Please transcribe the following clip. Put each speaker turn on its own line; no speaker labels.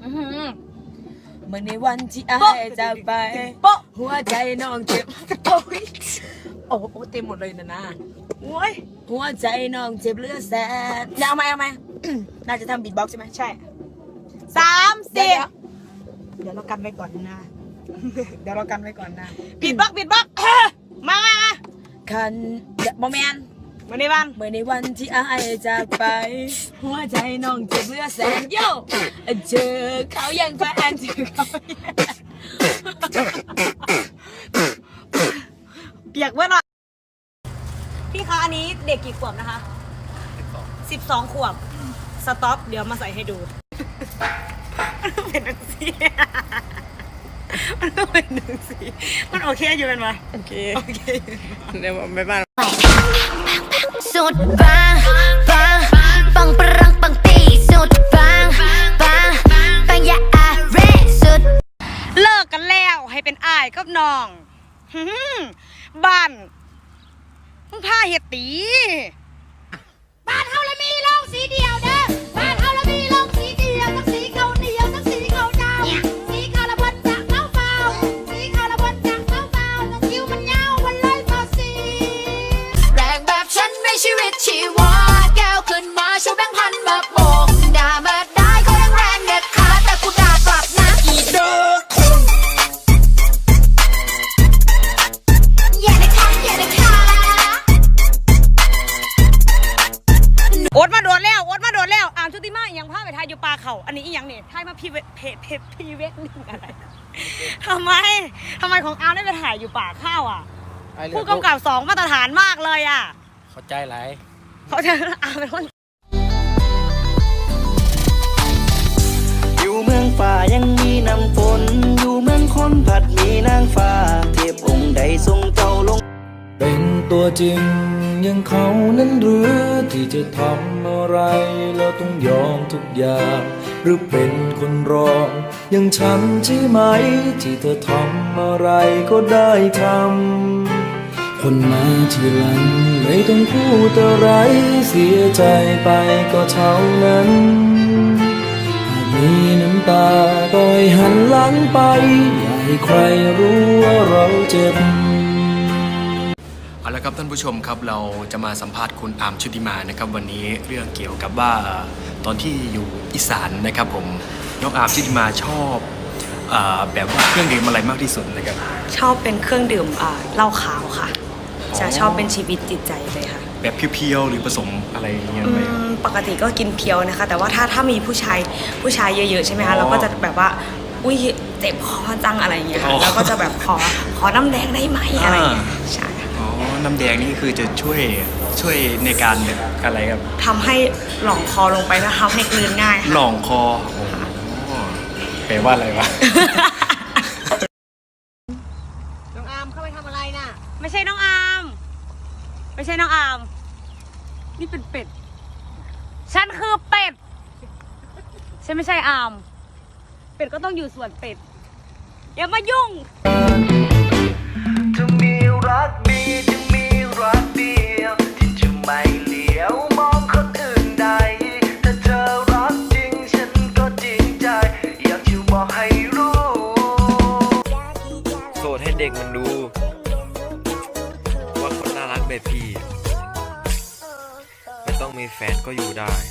เมื่อในวันที่อายจากไปหัวใจน้องเจ็บโอ้โหเต็มหมดเลยนะโอ้ยหัวใจน้องเจ็บเลือดแสนเอาไหมน่าจะทำบีทบ็อกซ์ใช่ไหมใช่30เดี๋ยวเรากันไว้ก่อนนะเดี๋ยวเรากันไว้ก่อนนะบีทบ็อกซ์มาคันโมเมนต์เมื่อในวันที่อายจากไปหัวใจน้องเจ็บเลือดแสนโย่เจอเขายังแฟนเจอเขาเปียกเว้ยหน่อยพี่คะอันนี้เด็กกี่ขวบนะคะ12 ขวบสต็อปเดี๋ยวมาใส่ให้ดูเป็นหนึ่งสีมันต้องเป็นหนึ่งสีมันโอเคอยู่เป็นไหมโอเคเดี๋ยวไปบ้าน
สุดปังปังปรังปังตีสุดปังอย่าอาเรสุด
เลิกกันแล้วให้เป็นอ้ายกับน้องบ้านมึงพาเฮ็ดตี
บ้านเฮาละมีโรงสีเดียวเด้อบ้านเฮาละมีโรงสีเดียวทั้งสีขาวเหนียวทั้งสีขาวดำสีขาวละบนจากเท้าเปล่าสีขาวละบนจากเท้าเปล่าทั้งคิ้วมันยาวมันเลยต่อสีแรงแบบฉันไม่ชีวิตชีวาแก้วขึ้นมาชูแบงค์พันมาโบกด่ามาได้ก็ยังแรงเด็ดขาดแต่กูด่ากลับนะอีเด้อ
โอ๊ตมาโดนแล้วอามชุติมาอย่างพาไปทายอยู่ปลาเขาอันนี้อีหยังเนี่ยทายมาพีเวกนิ่งอะไรทำไมของอามได้ไปถ่ายอยู่ป่าข้าวอ่ะผู้กำกับ2 มาตรฐานมากเลยอ่ะ
เข้าใจไร
เขาจะอามเป็นคน
อยู่เมืองป่ายังมีน้ำฝนอยู่เมืองคนผัดมีนางฟ้าเทพองค์ใดทรงเจ้าลง
เป็นตัวจริงอย่างเขานั้นหรือที่จะทำอะไรแล้วต้องยอมทุกอย่างหรือเป็นคนรองอย่างฉันใช่ไหมที่เธอทำอะไรก็ได้ทำคนมาทีหลังไม่ต้องพูดอะไรเสียใจไปก็เท่านั้นหากมีน้ำตาปล่อยหันหลังไปอย่าให้ใครรู้ว่าเราเจ็บ
เอาละครับท่านผู้ชมครับเราจะมาสัมภาษณ์คุณอาร์มชุติมานะครับวันนี้เรื่องเกี่ยวกับว่าตอนที่อยู่อีสานนะครับผมน้องอาร์มชุติมาชอบแบบว่าเครื่องดื่มอะไรมากที่สุดนะครับ
ชอบเป็นเครื่องดื่มเหล้าขาวค่ะจะชอบเป็นชีวิตจิตใจเลยค่ะ
แบบเพียวๆหรือผสมอะไรอย่างเงี้ยไหม
ปกติก็กินเพียวนะคะแต่ว่าถ้ามีผู้ชายเยอะๆใช่ไหมคะเราก็จะแบบว่าอุ้ยเจ็บคอจังอะไรอย่างเงี้ยค่ะแล้วก็จะแบบขอน้ำแดงได้ไหมอะไรอย่างเงี้ยใช่
น้ำแดงนี่คือจะช่วยในการแบบอะไรครับ
ทำให้หล่องคอลงไปแล้วทำให้กลืนง่าย
หล่องคอแปลว่าอะไรวะ
น้องอาร์มเข้าไปทำอะไรน่ะไม่ใช่น้องอาร์มนี่เป็นเป็ดฉันคือเป็ดฉันไม่ใช่อาร์มเป็ดก็ต้องอยู่ส่วนเป็ดอย่ามายุ่ง
จะมีรักดีจะมีรักเดียวที่จะไม่เหลียวมองคนอื่นใดถ้าเธอรักจริงฉันก็จริงใจอยากจะบอกให้รู้โสดให้เด็กมันดูว่าคนน่ารักแบบพี่ไม่ต้องมีแฟนก็อยู่ได้